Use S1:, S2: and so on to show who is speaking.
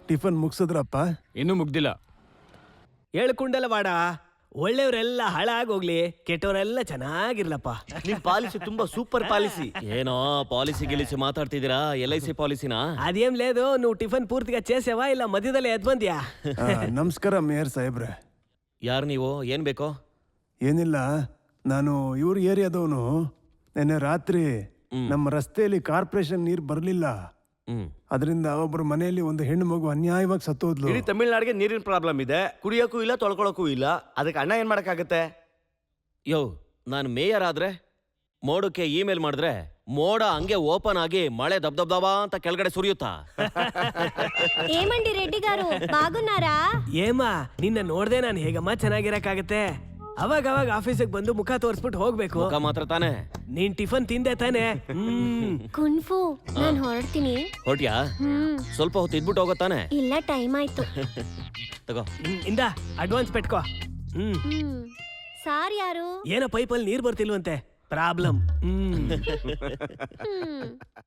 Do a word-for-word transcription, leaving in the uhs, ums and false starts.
S1: Tiffin ಮುಗಿಸಿದ್ರಪ್ಪ?
S2: ಇನ್ನೂ ಮುಗ್ದಿಲ್ಲ.
S3: ಹೇಳ್ಕೊಂಡಲ್ಲ ಬಾಡ, ಒಳ್ಳೆಯವರೆಲ್ಲ ಹಾಳಾಗೋಗ್ಲಿ, ಕೆಟ್ಟವರೆಲ್ಲ ಚೆನ್ನಾಗಿರ್ಲಪ್ಪ.
S4: ನಿಮ್ policy ತುಂಬಾ ಸೂಪರ್ ಪಾಲಿಸಿ.
S5: ಏನೋ ಪಾಲಿಸಿ ಗಿಲಿಸಿ ಮಾತಾಡ್ತಿದ್ದೀರಾ? ಎಲ್ ಐ ಸಿ ಪಾಲಿಸಿನಾ?
S3: ಅದೇం లేదు, నువ్వు ಟಿಫನ್ ಪೂರ್ತಿగా చేసావా ಇಲ್ಲ ಮಧ್ಯದಲ್ಲೇ ಎದ್ ಬಂದ್ಯಾ?
S1: ಆ, ನಮಸ್ಕಾರ ಮೇಯರ್ ಸಾಹೇಬ್ರೆ.
S5: ಯಾರು ನೀವು? ಏನ್ ಬೇಕೋ?
S1: ಏನಿಲ್ಲ, ನಾನು ಇವ್ರ ಏರಿಯಾದವನು. ನೆನ್ನೆ ರಾತ್ರಿ ನಮ್ಮ ರಸ್ತೆಯಲ್ಲಿ ಕಾರ್ಪೊರೇಷನ್ ನೀರು ಬರಲಿಲ್ಲ.
S5: ಹ್ಮ್
S1: ಅದರಿಂದ ಒಬ್ಬರು ಮನೆಯಲ್ಲಿ ಒಂದು ಹೆಣ್ಣು ಮಗು ಅನ್ಯಾಯವಾಗಿ ಸತ್ತೋದ್ಲು.
S4: ಇಡೀ ತಮಿಳ್ನಾಡಿಗೆ ನೀರಿನ ಪ್ರಾಬ್ಲಮ್ ಇದೆ, ಕುಡಿಯೋಕ್ಕೂ ಇಲ್ಲ ತೊಳ್ಕೊಳಕ್ಕೂ ಇಲ್ಲ. ಅದಕ್ಕೆ ಅಣ್ಣ ಏನ್ ಮಾಡಕ್ಕಾಗತ್ತೆ?
S5: ಯೋ, ನಾನು ಮೇಯರ್ ಆದ್ರೆ ಮೋಡಕ್ಕೆ ಇಮೇಲ್ ಮಾಡಿದ್ರೆ ಮೋಡ ಹಂಗೆ ಓಪನ್ ಆಗಿ ಮಳೆ ದಬ್ ದಬ್ ದಬಾ ಅಂತ ಕೆಳಗಡೆ ಸುರಿಯುತ್ತಾ?
S6: ఏమండి రెడ్డి గారు బాగున్నారా?
S3: ಏಮಾ, ನಿನ್ನ ನೋಡ್ದೆ ನಾನು ಹೇಗಮ್ಮ ಚೆನ್ನಾಗಿರಕ್ಕಾಗತ್ತೆ? ಅವಾಗ ಅವಾಗ ಆಫೀಸಿಗೆ ಬಂದು ಮುಖ ತೋರಿಸ್ಬಿಟ್ಟು ಹೋಗ್ಬೇಕು.
S5: ಮುಖ ಮಾತ್ರ ತಾನೆ.
S3: ನೀನ್ ಟಿಫನ್ ತಿಂದೆ ತಾನೆ? ಹ್ಮ್.
S6: ಕುನ್ಫು, ನಾನು ಹೊರಡ್ತೀನಿ.
S5: ಹೊರಟ್ಯಾ?
S6: ಹ್ಮ್
S5: ಸ್ವಲ್ಪ ಹೊತ್ತು ಇದ್ಬಿಟ್ಟು ಹೋಗತ್ತಾನೆ.
S6: ಇಲ್ಲ, ಟೈಮ್ ಆಯ್ತು.
S5: ತಗೋ.
S3: ಹ್ಮ್, ಇಂದ ಅಡ್ವಾನ್ಸ್ ಪೆಟ್ಕೋ. ಹ್ಮ್.
S6: ಹ್ಮ್ ಸಾರ್ ಯಾರು?
S3: ಏನೋ ಪೈಪಲ್ಲಿ ನೀರ್ ಬರ್ತಿಲ್ವಂತೆ, ಪ್ರಾಬ್ಲಮ್. ಹ್ಮ್.
S6: ಹ್ಮ್